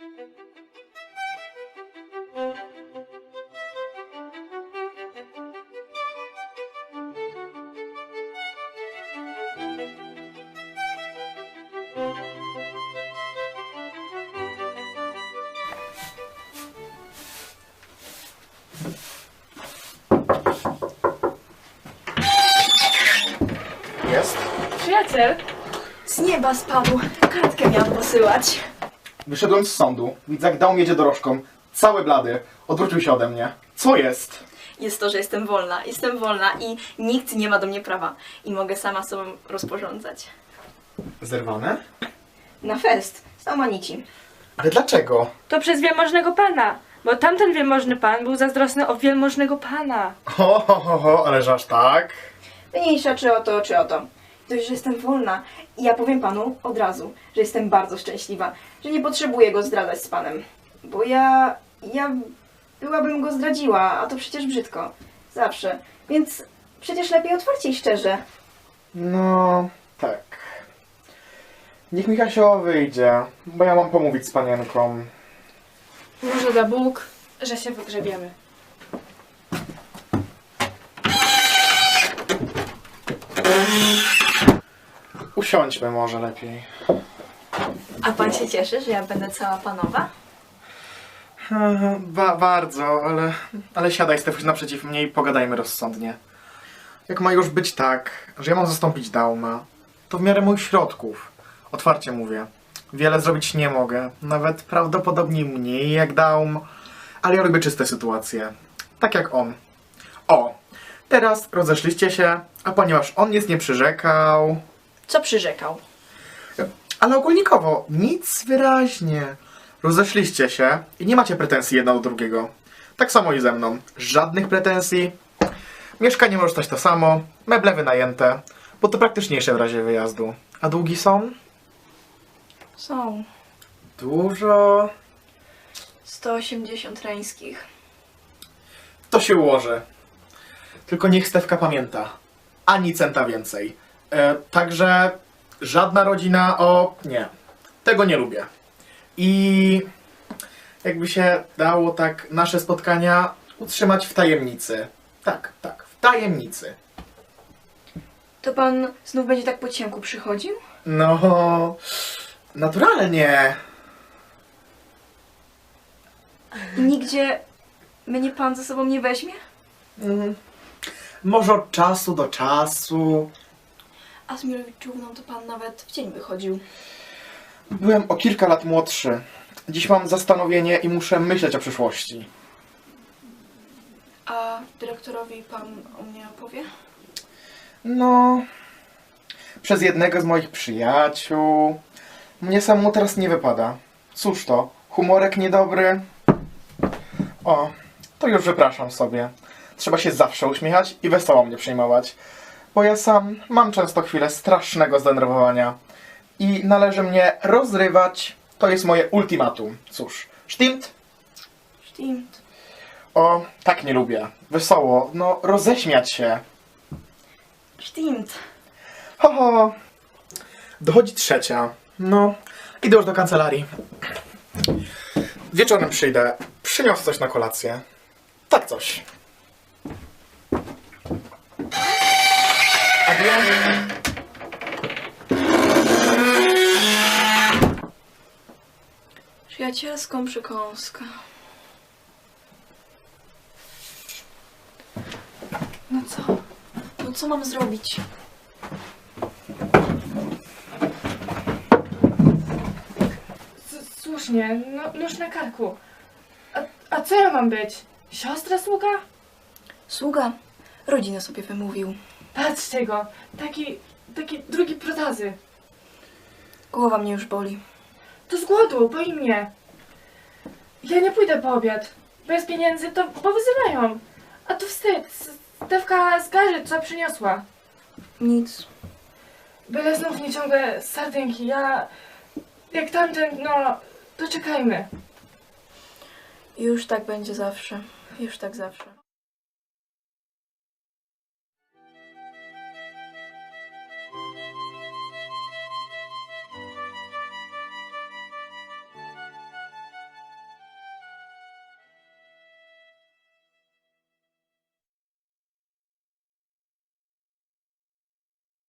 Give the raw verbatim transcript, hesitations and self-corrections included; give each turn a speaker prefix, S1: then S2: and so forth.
S1: Jest?
S2: Przyjaciel?
S3: Z nieba spadł. Kartkę miałam posyłać.
S1: Wyszedłem z sądu. Widzak dał mi jedzie dorożką. Cały blady. Odwrócił się ode mnie. Co jest?
S3: Jest to, że jestem wolna. Jestem wolna i nikt nie ma do mnie prawa. I mogę sama sobą rozporządzać.
S1: Zerwane?
S3: Na fest. Z Amanici.
S1: Ale dlaczego?
S2: To przez wielmożnego pana. Bo tamten wielmożny pan był zazdrosny o wielmożnego pana.
S1: Ho, ho, ho, ho, ależ aż tak?
S3: Mniejsza czy o to, czy o to. Dość, że jestem wolna. I ja powiem panu od razu, że jestem bardzo szczęśliwa. Że nie potrzebuję go zdradzać z panem. Bo ja... ja... byłabym go zdradziła, a to przecież brzydko. Zawsze. Więc przecież lepiej otwarcie i szczerze.
S1: No, tak. Niech mi Kasia wyjdzie, bo ja mam pomówić z panienką.
S2: Może da Bóg, że się wygrzebiemy.
S1: Usiądźmy może lepiej.
S3: A pan się cieszy, że ja będę cała panowa?
S1: Ba bardzo, ale, ale siadaj, Stefuś, naprzeciw mnie i pogadajmy rozsądnie. Jak ma już być tak, że ja mam zastąpić Dauma, to w miarę moich środków. Otwarcie mówię. Wiele zrobić nie mogę. Nawet prawdopodobnie mniej jak Daum. Ale ja lubię czyste sytuacje. Tak jak on. O! Teraz rozeszliście się, a ponieważ on nic nie przyrzekał...
S3: Co przyrzekał?
S1: Ale ogólnikowo, nic wyraźnie. Rozeszliście się i nie macie pretensji jedno do drugiego. Tak samo i ze mną. Żadnych pretensji. Mieszkanie może stać to samo. Meble wynajęte. Bo to praktyczniejsze w razie wyjazdu. A długi są?
S3: Są.
S1: Dużo.
S3: sto osiemdziesiąt reńskich.
S1: To się ułoży. Tylko niech Stefka pamięta. Ani centa więcej. E, także żadna rodzina o... Nie. Tego nie lubię. I jakby się dało tak nasze spotkania utrzymać w tajemnicy. Tak, tak, w tajemnicy.
S3: To pan znów będzie tak po ciemku przychodził?
S1: No, naturalnie.
S3: I nigdzie mnie pan ze sobą nie weźmie?
S1: Mhm. Może od czasu do czasu.
S3: A z Mirowiczówną to pan nawet w dzień wychodził.
S1: Byłem o kilka lat młodszy. Dziś mam zastanowienie i muszę myśleć o przyszłości.
S3: A dyrektorowi pan o mnie opowie?
S1: No, przez jednego z moich przyjaciół. Mnie samemu teraz nie wypada. Cóż to, humorek niedobry. O, to już wypraszam sobie. Trzeba się zawsze uśmiechać i wesoło mnie przyjmować. Bo ja sam mam często chwilę strasznego zdenerwowania. I należy mnie rozrywać. To jest moje ultimatum. Cóż, sztimt?
S3: Stimmt.
S1: O, tak nie lubię. Wesoło, no roześmiać się.
S3: Stimmt.
S1: Ho, ho. Dochodzi trzecia. No, idę już do kancelarii. Wieczorem przyjdę. Przyniosę coś na kolację. Tak coś. Adieu.
S3: Przyjacielską przekąskę. No co? No co mam zrobić?
S2: S- Słusznie, no, nóż na karku. A, a co ja mam być? Siostra sługa?
S3: Sługa. Rodzinę sobie wymówił.
S2: Patrzcie go, taki, taki drugi protazy.
S3: Głowa mnie już boli.
S2: To z głodu, boi mnie. Ja nie pójdę po obiad. Bez pieniędzy to powyzywają. A to wstyd. Stefka zgarzy, co przyniosła.
S3: Nic.
S2: Byle znów nie ciągle sardynki. Ja, jak tamten, no, to czekajmy.
S3: Już tak będzie zawsze. Już tak zawsze.